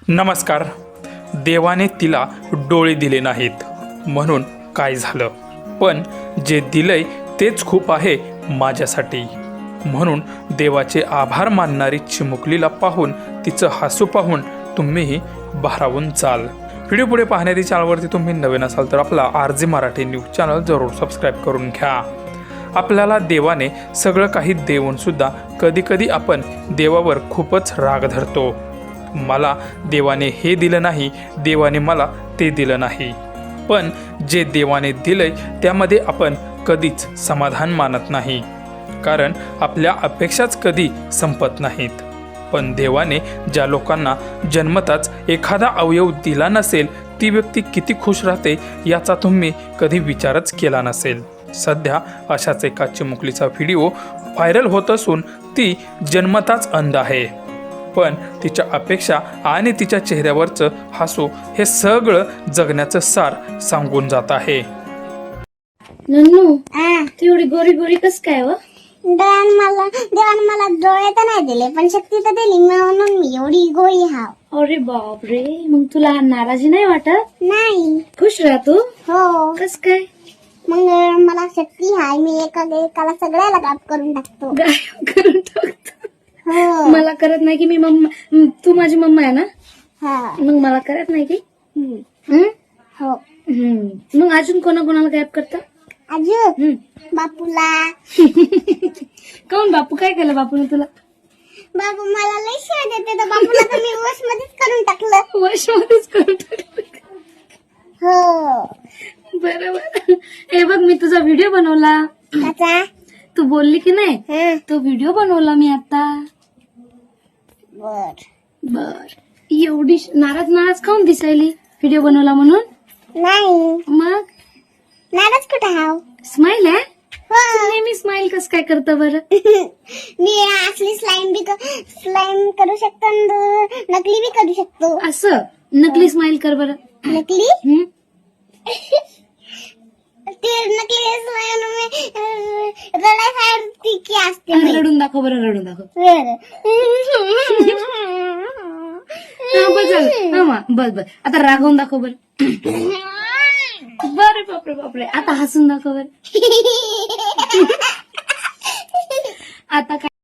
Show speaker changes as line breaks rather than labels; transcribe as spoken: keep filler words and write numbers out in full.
नमस्कार. देवाने तिला डोळे दिले नाहीत म्हणून काय झालं, पण जे दिलंय तेच खूप आहे माझ्यासाठी. म्हणून देवाचे आभार मानणारी चिमुकलीला पाहून, तिचं हसू पाहून तुम्हीही भारावून जाल. व्हिडिओ पुढे पाहण्याची चॅनलवरती तुम्ही नवीन असाल तर आपला R J Marathi news channel जरूर सबस्क्राईब करून घ्या. आपल्याला देवाने सगळं काही देऊनसुद्धा कधीकधी आपण देवावर खूपच राग धरतो. मला देवाने हे दिलं नाही, देवाने मला ते दिलं नाही. पण जे देवाने दिलंय त्यामध्ये आपण कधीच समाधान मानत नाही, कारण आपल्या अपेक्षाच कधी संपत नाहीत. पण देवाने ज्या लोकांना जन्मताच एखादा अवयव दिला नसेल, ती व्यक्ती किती खुश राहते याचा तुम्ही कधी विचारच केला नसेल. सध्या अशाच एका चिमुकलीचा व्हिडिओ व्हायरल होत असून ती जन्मताच अंध आहे, पण तिच्या अपेक्षा आणि तिच्या चेहऱ्यावरचं हसू हे सगळं जगण्याचं सार सांगून जात आहे.
नन्नू तेवढी गोरी गोरी कस काय व
देवान मला देवान मला डोळे तर नाही दिले, पण शक्ती तर दिली, म्हणून मी एवढी गोळी हाव.
अरे बाप रे, मग तुला नाराजी नाही वाटत?
नाही.
खुश राहतो?
हो.
कस काय?
मग मला शक्ती हाय, मी एका एकाला सगळ्याला गायब करून टाकतो.
गायब करून टाकतो?
हो.
मला करत नाही की मी मम्मा, तू माझी मम्मा आहे ना,
हा.
मग मला करत नाही की?
हम्म.
हं?
हो.
हं. मग अजून कोणा कोणाला गायब करता?
अजून बापूला.
काऊन बापू काय केलं बापूने तुला?
बाबू मला लय शिवाय देते, तर बापूला तर मी वश मध्येच करून टाकलं.
वशमध्येच करून टाकलं?
हो.
बरोबर. हे बघ, मी तुझा व्हिडिओ बनवला.
त्याचा
तू बोलली की नाही,
हं.
तो व्हिडिओ बनवला मी आता.
बर
बर. एवढी नाराज नाराज काऊन दिसायली व्हिडिओ बनवला म्हणून?
नाही.
मग
नाराज कुठं हाव?
स्माइल आहे?
हो.
नेहमी स्माइल कस काय करतं बरं?
मी असली स्लाइम बी स्लाइम करू शकतो आणि नकली बी करू शकतो.
असं नकली स्माइल कर बरं.
नकली
हं?
ते नकली स्लाइम रडायसारखी की असते बाई.
रडून दाखव बरं, रडून दाखव.
बरं.
हा, बस झालं. हा, मा, बस बस. आता रागवून दाखव बरं. बरे बापरे बापरे. आता हसून दाखव बरं. आता काय